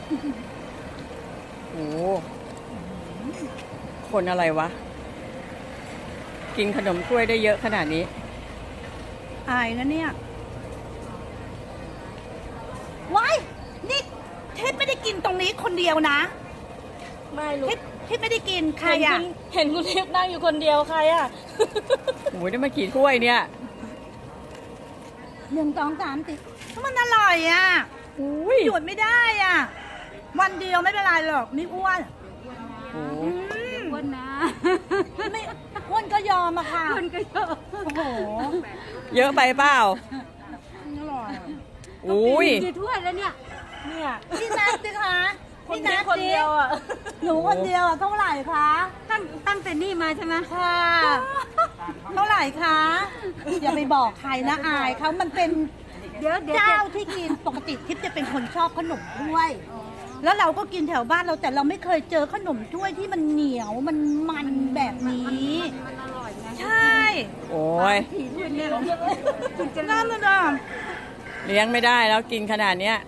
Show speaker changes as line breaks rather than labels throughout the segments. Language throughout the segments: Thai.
โอ้คนอะไรวะ กินขนมถ้วยได้เยอะขนาดนี้
อายนะเนี่ยว้ายนี่ทิพย์ไม่ได้กินตรงนี้คนเดียวนะ
ไม่รู้
ทิพย์ไม่ได้กินใครอ่ะ
เห็นคุณทิพย์นั่งอยู่คนเดียวใครอ่ะ
โอ้ยได้มากี่ถ้วยเนี่ย
1 2 3 4มันอร่อยอ่ะ
อุ้ย
หยุดไม่ได้อ่ะ วันเดียวไม่เป็นไรหรอกไม่อ้วน
โอ้
อ้วนนะ
ไม่อ้วนก็ยอมอะค่ะ
อ้วนก็เยอะ
โอ้โห
เยอะไปเปล่า
อร่อยอะ
อุ้ย
กี่ถ้วยแล้วเนี่ย
เนี่ย
พี่นัทสิคะ
คน
พี่
นี้
นัท
คน
สิ
เดียวอ่ะ
หนูคนเดียวอะเท่าไหร่คะ
ตั้งแต่นี่มาใช่ไหม
ค่ะ เท่าไหร่คะอย่าไปบอกใครนะอายเขามันเป็น
เดี๋ยว
เจ้าที่กินปกติทิพย์จะเป็นคนชอบขนมถ้วย แล้วเราก็กินแถวบ้านเราแต่เราไม่เคยเจอขนมถ้วยที่มันเหนียวมันแบบนี้
มันอร่อยไง
ใช่
โอ้ย
ผีถ้วยเนี่ยคุณจะ
นั่นน่ะนะ
เลี้ยงไม่ได้แล้วกินขนาดเนี้ย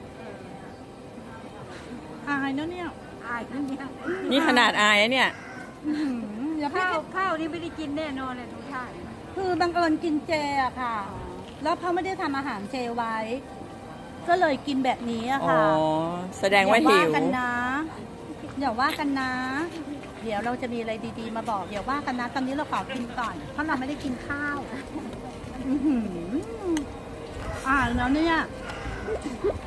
อายนะเนี่ย
อายคนเนี้ย
นี่ขนาดอายนะเนี่ย
อื้อหืออย่าพี่
ข้าวนี่ไม่ได้กินแน่นอนเลยทุกท่าน
คือบังเอิญกินเจอะค่ะ แล้วเขาไม่ได้ทำอาหารเจไว้ ก็เลยกินแบบนี้อะ
อ๋อ
ค่ะ
แสดงว่าหิว
กันนะอย่าว่ากันนะ เดี๋ยวเราจะมีอะไรดีๆมาบอกเดี๋ยวว่ากันนะ ตอนนี้เราขอกินก่อน เพราะเราไม่ได้กินข้าวอื้อหือแล้วเนี่ย